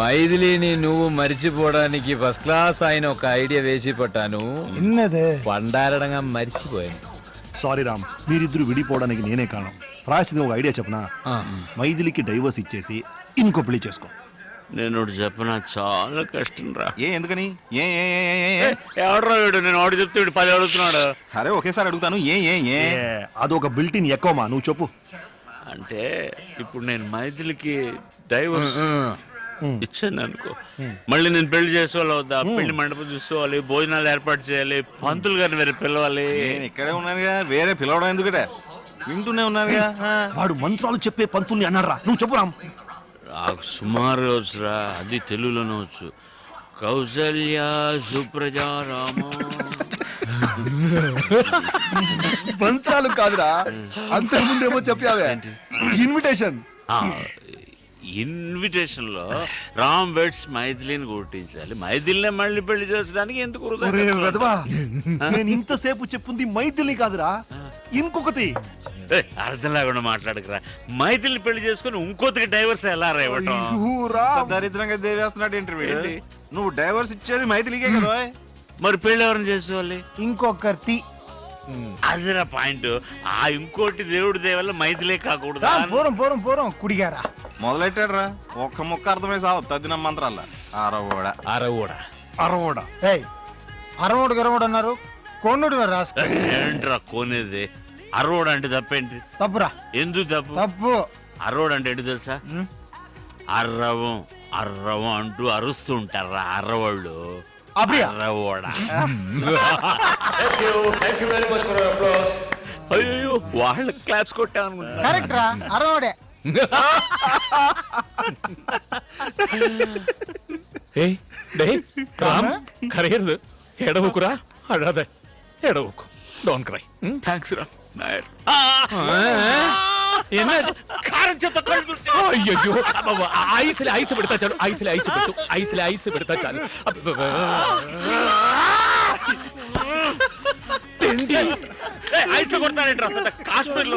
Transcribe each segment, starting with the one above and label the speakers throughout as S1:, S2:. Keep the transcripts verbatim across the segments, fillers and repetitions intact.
S1: మైథిలిని నువ్వు మరిచిపోవడానికి first class ఆయన ఒక ఐడియా వేసి పట్టాను. పండారడంగా మర్చిపోయాను.
S2: సారీ రామ్, మీరిద్దరు విడిపోవడానికి నేనే కారణం. రాసింది ఒక ఐడియా చెప్పనా? మైథిలికి డైవర్స్ ఇచ్చేసి ఇంకో పెళ్లి చేసుకో.
S3: నేను చెప్పనా, చాలా కష్టం రా.
S4: ఏ ఎందుకని? ఏ
S3: ఎవడరా వీడు? నేను ఆడు చెప్తే వీడు పది అడుగుతున్నాడు.
S4: సరే ఒకేసారి అడుగుతాను. ఏ ఏ ఏ
S2: అదొక బిల్టిన్ ఎక్కువమా, నువ్వు చెప్పు.
S3: అంటే ఇప్పుడు నేను మైథిలికి డైవర్స్ ఇచ్చాను అనుకో, మళ్ళీ నేను పెళ్లి చేసుకోవాలి వద్దా? పెళ్లి మండపం చూసుకోవాలి, భోజనాలు ఏర్పాటు చేయాలి, పంతులు గారిని వేరే పిలవాలి.
S4: నేను ఇక్కడే ఉన్నానుగా, వేరే పిలవడం ఎందుకట? వింటూనే ఉన్నానుగా.
S2: వాడు మంత్రాలు చెప్పే పంతుల్ని అన్నారా? నువ్వు చెప్పు రామ్.
S3: నాకు సుమారు వచ్చురా, అది తెలుగులోనే వచ్చు. కౌసల్య సుప్రజారామ.
S2: మంత్రాలు కాదురా, అంతకుముందేమో చెప్పావే ఇన్విటేషన్.
S3: ఇన్విటేషన్ లో రామ్ వెడ్స్ మైథిలిని గుర్తించాలి. మైథిలినే మళ్ళీ పెళ్లి చేసడానికి ఎందుకు?
S2: నేను ఇంతసేపు చెప్పుంది మైథిలి కాదురా, ఇంకొకటి.
S3: అర్థం లేకుండా మాట్లాడకురా. మైథిలిని పెళ్లి చేసుకుని ఇంకొకటికి డైవర్స్ ఎలా రేవటం?
S4: దరిద్రంగా దేవేస్తున్నాడు ఇంటర్వ్యూ. నువ్వు డైవర్స్ ఇచ్చేది మైథిలికే కదా,
S3: మరి పెళ్లి ఎవరిని చేసుకోవాలి?
S2: ఇంకొకటి.
S3: అదిరా పాయింట్. ఆ ఇంకోటి దేవుడి దేవల్ల మైథిలే కాకూడదు.
S2: పూరం పూరం పూరం కుడిగారా
S4: మొదలెట్టాడు రా. ఒక్క ముక్క అర్థమై సావు తద్దిన మంత్రాల. అరవోడ
S1: అరవోడ
S2: అరవోడ అరవోడు గరవోడు అన్నారు. కోనుడు
S3: ఏంట్రా కోనేది? అరవోడు అంటే తప్పేంటి?
S2: తప్పురా.
S3: ఎందుకు తప్పు?
S2: తప్పు.
S3: అరవోడు అంటే ఏంటి తెలుసా? అర్రవం అర్రవం అంటూ అరుస్తూ ఉంటారా అర్రవాళ్ళు. అయ్యో వాళ్ళ క్లాప్స్ కొట్టామనుకుంటా.
S2: కరెక్ట్ రా, అరవోడే.
S1: కరేరు ఎడవకురా, అడాదే ఎడవకు. Don't cry.
S3: థ్యాంక్స్ రా నాయర్.
S1: కారం చేత అయ్యో ఐసులే ఐసు పెడతా చాలు. ఐసులే ఐసు పెట్టు. ఐసులే ఐసు పెడతా చాలు.
S3: ఐస్ లో కొడతానంటే కాశ్మీర్ లో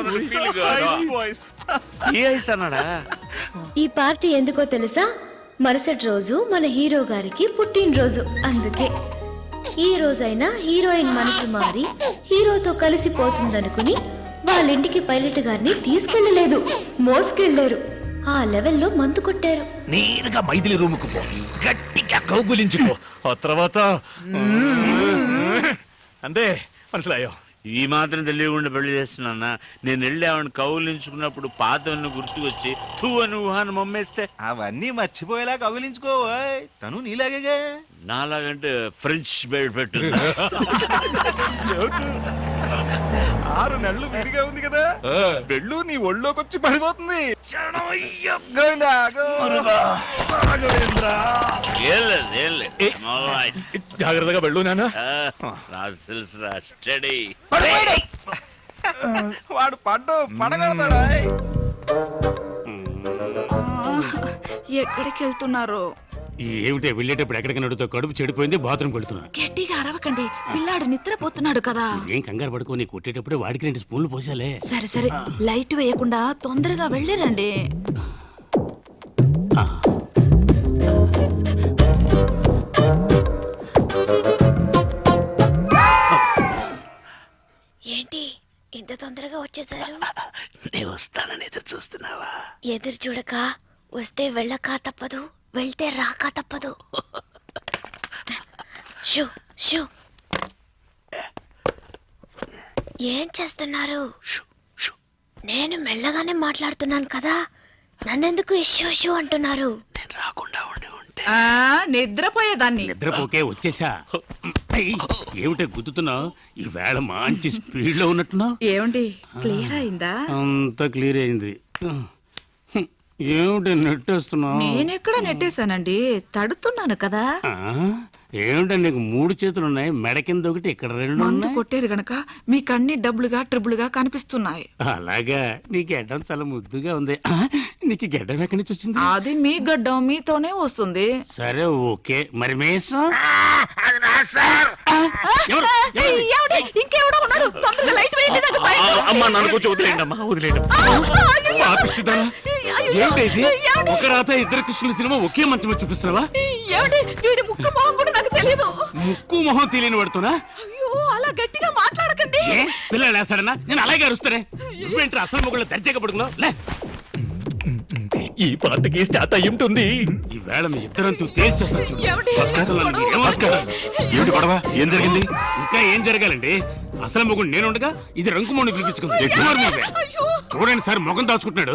S3: ఏ ఐస్ అన్నాడా?
S5: ఈ పార్టీ ఎందుకో తెలుసా? మరుసటి రోజు మన హీరో గారికి పుట్టినరోజు. అందుకే ఈ రోజైనా హీరోయిన్ మనసు మారి హీరోతో కలిసిపోతుందనుకుని వాళ్ళ ఇంటికి పైలట్ గారిని తీసుకెళ్లలేదు, మోసుకెళ్లారు. ఆ లెవెల్లో మందు కొట్టారు.
S1: నేరుగా మైథిలి రూమ్ కు పో, గట్టిగా కౌగులించుకో. ఆ తర్వాత అంతే మనసులాయో.
S3: ఈ మాత్రం తెలియకుండా పెళ్లి చేస్తున్నా. నేను వెళ్ళి ఆవిడ కౌలించుకున్నప్పుడు పాతవన్నీ గుర్తుకొచ్చి తూ అని ఊహాన్ని మమ్మేస్తే
S4: అవన్నీ మర్చిపోయేలా కౌగిలించుకో. తను నీలాగే.
S3: నాలాగంటే ఫ్రెంచ్ బెడ్ పెట్టు.
S4: ఆరు నెలలు విడిగా ఉంది కదా, పెళ్ళు నీ ఒళ్ళోకి వచ్చి పడిపోతుంది.
S1: జాగ్రత్తగా వెళ్ళు నాన్న.
S3: నాకు తెలుసురా, స్టడీ.
S4: వాడు పడ్డు పడగడతాడా?
S6: ఎక్కడికి వెళ్తున్నారు?
S7: ఏమిటే వెళ్ళేటప్పుడు ఎక్కడికి నడుతో కడుపు చెడిపోయింది, బాత్రూమ్ వెళ్తున్నా.
S6: గట్టిగా అరవకండి, పిల్లాడు నిద్రపోతున్నాడు కదా.
S7: ఏం కంగారు పడుకోని కొట్టేటప్పుడు వాడికి రెండు స్పూన్లు పోసాలే.
S6: సరే సరే, లైట్ వేయకుండా తొందరగా వెళ్ళిరండి.
S5: ఏంటి ఇంత తొందరగా వచ్చేసారు?
S7: నేను వస్తానని ఎదురు చూస్తున్నావా?
S5: ఎదురు చూడక వస్తే వెళ్ళక తప్పదు, వెళ్తే రాక తప్పదు. షూ షూ ఏం చేస్తున్నారు? నేను మెల్లగానే మాట్లాడుతున్నాను కదా, నన్నెందుకు ఇష్యూ షూ అంటున్నారు?
S7: నేను రాకుండా ఉండి ఉంటే
S6: నిద్రపోయేదాన్ని.
S7: నిద్రపోకే వచ్చేసా. ఏమిటే గుద్దుతున్నావు? ఈ వేళ మంచి స్పీడ్ లో ఉన్నట్టున్నావు.
S6: ఏమండి, క్లియర్ అయిందా?
S7: అంత క్లియర్ అయింది. ఏమిటి నెట్టేస్తున్నావు?
S6: నేనెక్కడ నెట్టేశానండి, తడుతున్నాను కదా.
S7: ఏమిటో నీకు మూడు చేతులు ఉన్నాయి, మెడ కింద ఒకటి, ఇక్కడ రెండు
S6: మందు కొట్టేరు గనక మీకు అన్ని డబ్బులుగా ట్రిబుల్గా కనిపిస్తున్నాయి.
S7: అలాగా? నీ గడ్డం చాలా ముద్దుగా ఉంది. నీకు గడ్డం ఎక్కడి నుంచి వచ్చింది?
S6: అది మీ గడ్డం మీతోనే వస్తుంది.
S7: సరే ఓకే, మరి మేసం
S6: ఇంకెవడో ఉన్నాడు, తొందరగా లైట్ వేయండి.
S3: అమ్మా నన్ను కొంచెం వదిలేండి అమ్మా, వదిలేండి.
S7: ఏంటి ఇది? ఒక రాత ఇద్దరు కృష్ణుల సినిమా ఒకే మంచం మీద చూపిస్తున్నావా?
S6: ఏమిటి వీడి ముక్కు మొహం కూడా నాకు తెలియదు.
S7: ముక్కు మొహం తెలియని పడుతున్నా
S6: అయ్యో అలా గట్టిగా మాట్లాడకండి.
S7: ఏ పిల్లలు వేస్తాడన్నా నేను అలాగే అరుస్తానే. నువ్వేంటి అసలు మొగుళ్ళు దర్జాగా పడుకున్నావు? లే,
S1: ఈ పాటకి స్టార్ట్ అయి ఉంటుంది.
S7: ఈ వేళ మీ ఇద్దరంతూ తేల్చేస్తాను చూడు.
S6: ఏమిటి?
S7: అసలు నన్ను ఏమనుకుంటున్నారు?
S2: ఏమిటి గొడవ ఏం జరిగింది?
S7: ఇంకా ఏం జరగాలండి? అసలు మొగుడు నేను ఉండగా ఇది రంకుమోని పిలిపించుకుంది. కుమార్ నువ్వే. చూడండి సార్ మొగం దాచుకుంటున్నాడు.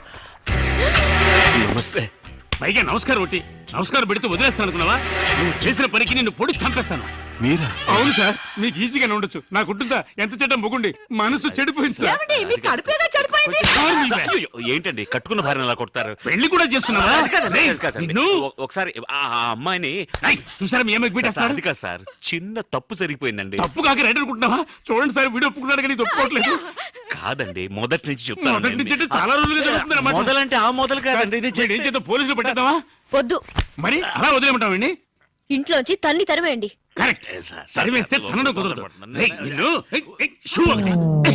S1: నమస్తే.
S7: పైగా నమస్కారం ఒకటి నమస్కారం పెడితే వదిలేస్తాను అనుకున్నావా? నువ్వు చేసిన పనికి నిన్ను పొడి చంపేస్తాను.
S2: మీరా?
S7: అవును సార్, మీకు ఈజీగానే ఉండొచ్చు. నాకుంటుందా ఎంత చెడ్డ మొగుండి మనసు చెడిపోయింది సార్.
S6: ఏమిటి మీ కడుపేగా చెడిపోయింది.
S7: కుమార్ నువ్వే.
S3: అయ్యో, ఏంటండి కట్టుకున్న భార్యను అలా కొడతారు?
S7: పెళ్లి కూడా చేసుకున్నావా? రేయ్,
S3: కాదండి.
S7: నిన్ను
S3: ఒ- ఒకసారి ఆ ఆ అమ్మాయిని
S7: రేయ్, చూసారా మీ అమ్మకి
S3: సార్,
S7: పెట్టేస్తాడు.
S3: అది కాదు సార్, చిన్న తప్పు జరిగిపోయిందండి.
S7: తప్పు కాక రైట్ అనుకుంటున్నావా? చూడండి సార్ వీడియో ఒప్పుకున్నాడు కానీ ఇది ఒప్పుకోవట్లేదు.
S3: కాదండి, మొదటి నుంచి
S7: మొదటి నుంచి
S3: చెప్తాను.
S7: అంటే చాలా రోజులుగా జరుగుతుంది అన్నమాట.
S3: మొదలంటే ఆ మొదలు కాదండి, ఇది
S7: ఏం చేద్దాం, పోలీసులు పెట్టేద్దామా?
S5: వద్దు,
S7: మరి అలా వదిలేమంటావండి?
S5: ఇంట్లోంచి తన్ని తరివేయండి.
S7: కరెక్ట్.
S3: ఏ సార్,
S7: సరివేస్తే
S3: సార్,
S7: తనను కుదరదు. రేయ్, నిన్ను ఏయ్, ఏయ్, షూ ఒకటి.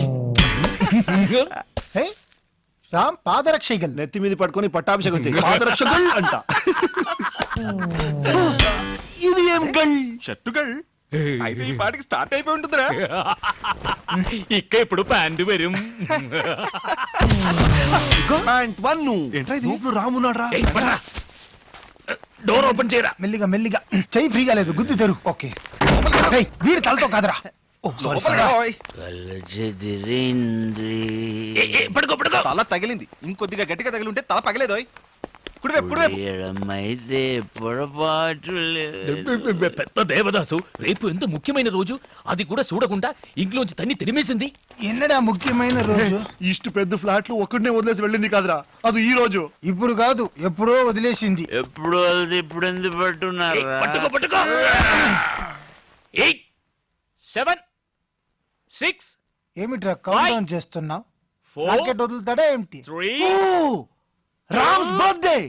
S7: ఏయ్.
S8: రామ్ పాదరక్షగల్
S2: నెత్తి మీద పట్టుకొని పట్టాభిషేకం చేయి. పాదరక్షకుల్ అంట. ఇది ఏం గల్?
S4: షర్టుగల్ అయితే ఈ పాటికి స్టార్ట్ అయిపోయి ఉంటుందిరా.
S1: ఇక్క ఇప్పుడు ప్యాంటు వരും.
S2: Point one.
S4: ఏంట్రా ఇది?
S2: లోపల రామున్నాడు రా.
S7: ఏయ్, పడరా.
S1: డోర్ ఓపెన్ చేయరా.
S8: మెల్లిగా మెల్లిగా చెయ్యి ఫ్రీగా లేదు గుద్ది తెరు. ఓకే ఏయ్, వీడి తలతో కాదురా. ఓ సారీ
S4: లోపలికి రా, ఓయ్.
S7: ఏయ్, ఏయ్, పడుకో పడుకో.
S4: తల తగిలింది, ఇంకొద్దిగా గట్టిగా తగిలి ఉంటే తల పగలేదు. ఓయ్. కుడివైపు కుడివైపు.
S3: అయితే పొరపాటు
S1: పెద్ద దేవదాసు రేపు ఎంత ముఖ్యమైన రోజు, అది కూడా చూడకుండా ఇంట్లోంచి తన్ని తిరిమేసింది.
S8: ఎన్నడా ముఖ్యమైన రోజు?
S2: ఇಷ್ಟು పెద్ద ఫ్లాట్లు ఒక్కడనే వదిలేసి వెళ్ళింది కాదురా, అది ఈ రోజు.
S8: ఇప్పుడు కాదు ఎప్పుడో వదిలేసింది.
S3: ఎప్పుడు అది ఇప్పుడు ఎందుకు పట్టున్నారు?
S7: పట్టుకో పట్టుకో. ఎయిట్ సెవెన్ సిక్స్
S8: ఏమిట్రా కౌంట్ డౌన్ చేస్తున్నావు?
S7: Four.
S8: రాకెట్ వదులుతాడా ఏమిటి?
S7: Three
S2: Ram's birthday.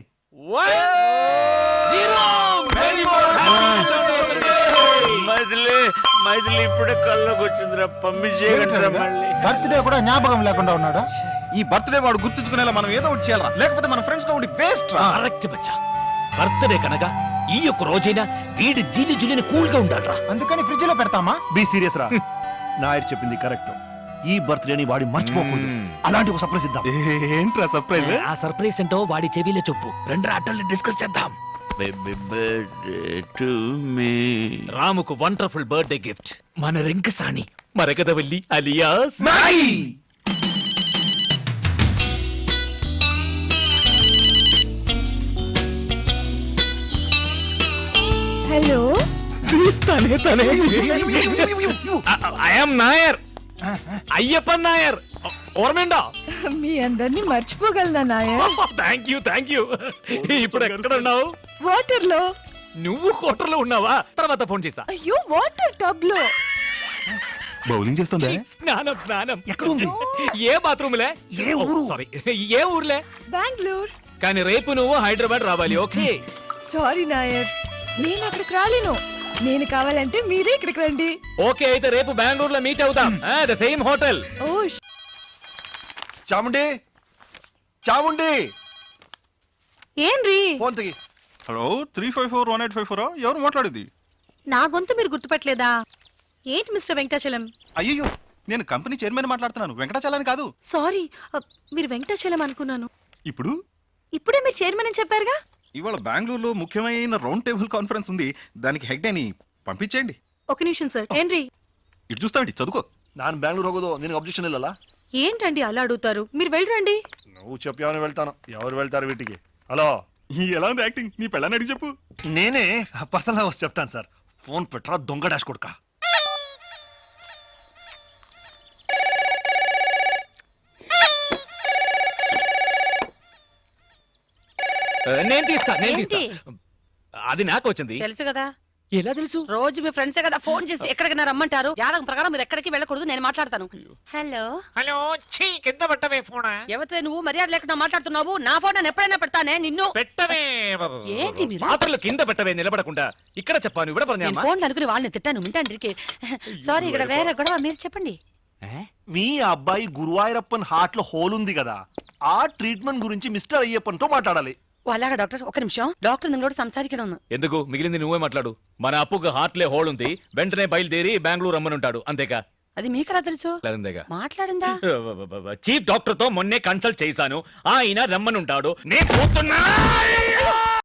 S3: మైథిలి మైథిలి ఇప్పుడే కల్లోకి వచ్చిందిరా, పంపించేయగలరా మళ్ళీ?
S8: బర్త్డే కూడా జ్ఞాపకం లేకుండా ఉన్నాడు.
S4: ఈ బర్త్డే వాడు గుర్తుంచుకునేలా మనం ఏదో ఒకటి చేయాలరా, లేకపోతే మన ఫ్రెండ్స్ గా ఉండి వేస్ట్ రా.
S1: కరెక్ట్ బచ్చా. బర్త్డే కనుక ఈ యొక్క రోజైనా వీడి జీలి జులిని కూల్ గా ఉండాలరా.
S8: అందుకని ఫ్రిడ్జ్ లో పెడతామా?
S2: బి సీరియస్ రా. నాయర్ చెప్పింది కరెక్ట్. ఈ బర్త్డేని వాడి మర్చిపోకూడదు. అలాంటి ఒక సర్ప్రైజ్ ఇద్దాం.
S4: ఏంట్రా సర్ప్రైజ్?
S1: ఆ సర్ప్రైజ్ ఏంటో వాడి చెవిలో చెప్పు. రెండు ఆటల్ని డిస్కస్ చేద్దాం.
S3: Baby birthday to me.
S1: రాముకు వండర్ఫుల్ బర్త్డే గిఫ్ట్ మన రింకసాని మరకదవల్లి అలియాస్
S6: హలో
S1: తనే తనే ఐఎమ్ నాయర్, అయ్యప్పన్ నాయర్. ఓర్మేండా?
S6: మీ అందరినీ మర్చిపోగలనా Nair?
S1: Thank you thank you. ఇప్పుడు ఎక్కడ ఉన్నావు?
S6: వాటర్ లో.
S1: నువ్వు కోటర్లో ఉన్నావా? తర్వాత ఫోన్ చేసా.
S6: అయ్యో వాటర్ టబ్ లో.
S4: బౌలింగ్ చేస్తుందా?
S1: స్నానం స్నానం.
S2: ఎక్కడుంది?
S1: ఏ బాత్రూమ్లే?
S2: ఏ ఊరు?
S1: సారీ, ఏ ఊర్లే?
S6: బెంగళూరు.
S1: కానీ రేపు నువ్వు హైదరాబాద్ రావాలి. ఓకే?
S6: సారీ నాయర్, నేను అక్కడికి రాలేను. నేను కావాలంటే మీరే ఇక్కడికి రండి.
S1: ఓకే అయితే రేపు బెంగళూరులో మీట్ అవుతాం. The same hotel.
S6: ఓ
S2: చాముండి, చాముండి,
S5: ఏంరి
S2: ఫోన్ తిగి.
S4: Hello, three five four one eight five four ఎవరు మాట్లాడేది?
S5: నా గొంతు మీరు గుర్తుపట్టలేదా? ఏంటి మిస్టర్ వెంకటాచలం?
S4: అయ్యో, నేను కంపెనీ చైర్మన్ మాట్లాడుతున్నాను, వెంకటాచలాని కాదు.
S5: సారీ, అ, మీరు వెంకటాచలం అనుకున్నాను.
S4: ఇప్పుడు
S5: ఇప్పుడే మీరు చైర్మన్ అని చెప్పారుగా.
S4: ఇవాళ బెంగళూరులో ముఖ్యమైన రౌండ్ టేబుల్ కాన్ఫరెన్స్ ఉంది, దానికి హెడ్ అని పంపించేయండి.
S5: ఒక నిమిషం సార్. ఏంరి
S4: ఇటు చూస్తామండి, చదువుకో.
S2: ನಾನು ಬ್ಯಾಂಗ್ಳೂರ್ ಹೋಗೋದು ನಿನಗೆ ಅಬ್ಜೆಕ್ಷನ್ ಇಲ್ಲಲ್ಲ?
S5: ఏంటండి అలా అడుగుతారు? మీరు వెళ్ళరండి.
S2: నువ్వు చెప్పావని వెళ్తాను. ఎవరు వెళ్తారు వీటికి? హలో,
S4: ఈ ఎలా ఉంది యాక్టింగ్? నీ పెళ్ళని అడిగి చెప్పు.
S2: నేనే పర్సనల్ గా వచ్చి చెప్తాను సార్. ఫోన్ పెట్టరా దొంగ డాష్ కొడుక.
S1: నేను తీస్తా నేను తీస్తా.
S5: ఏంటి?
S1: అది నాకు వచ్చింది.
S9: తెలుసు కదా,
S1: ఎలా తెలుసు?
S9: రోజు మీ ఫ్రెండ్సే కదా ఫోన్ చేసి ఎక్కడికి రమ్మంటారు. జాతకం ప్రకారం మీరు ఎక్కడికి వెళ్ళకూడదు, నేను మాట్లాడతాను. హలో
S1: హలో, ఛీ కింద పెట్టవే ఫోన్.
S9: ఎవరితో నువ్వు మర్యాద లేకుండా మాట్లాడుతున్నావు? నా ఫోన్ నేను ఎప్పుడైనా పెడతానే నిన్ను.
S1: పెట్టవే.
S9: ఏంటి మీరు?
S1: పాత్రలు కింద పెట్టవే నిలబడకుండా. ఇక్కడ చెప్పాను ఇవిడ
S9: నేను
S1: పర్ణామా.
S9: ఫోన్ అనుకుని వాళ్ళని తిట్టాను వింటాండ్రికి. సారీ, ఇక్కడ వేరే గొడవ, మీరు చెప్పండి.
S2: మీ అబ్బాయి గురువాయూరప్పన్ హార్ట్ లో హోల్ ఉంది కదా, ആ ട്രീറ്റ്മെന്റ് గురించి మిస్టర్ అయ్యప్పన్తో మాట్లాడాలి.
S9: ఓ అలాగా డాక్టర్ ఒక నిమిషం డాక్టర్ నింగోడు సంసారికడం
S1: ఎందుకు మిగిలింది నువ్వే మాట్లాడు. మన అప్పుకు హార్ట్లే హోల్ ఉంది, వెంటనే బయలుదేరి బెంగళూరు రమ్మనుంటాడు. అంతేగా?
S9: అది మీకెలా తెలుసు?
S1: అంతేగా.
S9: మాట్లాడిందా?
S1: చీఫ్ డాక్టర్ తో మొన్నే కన్సల్ట్ చేశాను, ఆయన రమ్మనుంటాడు. నేను పోతున్నా.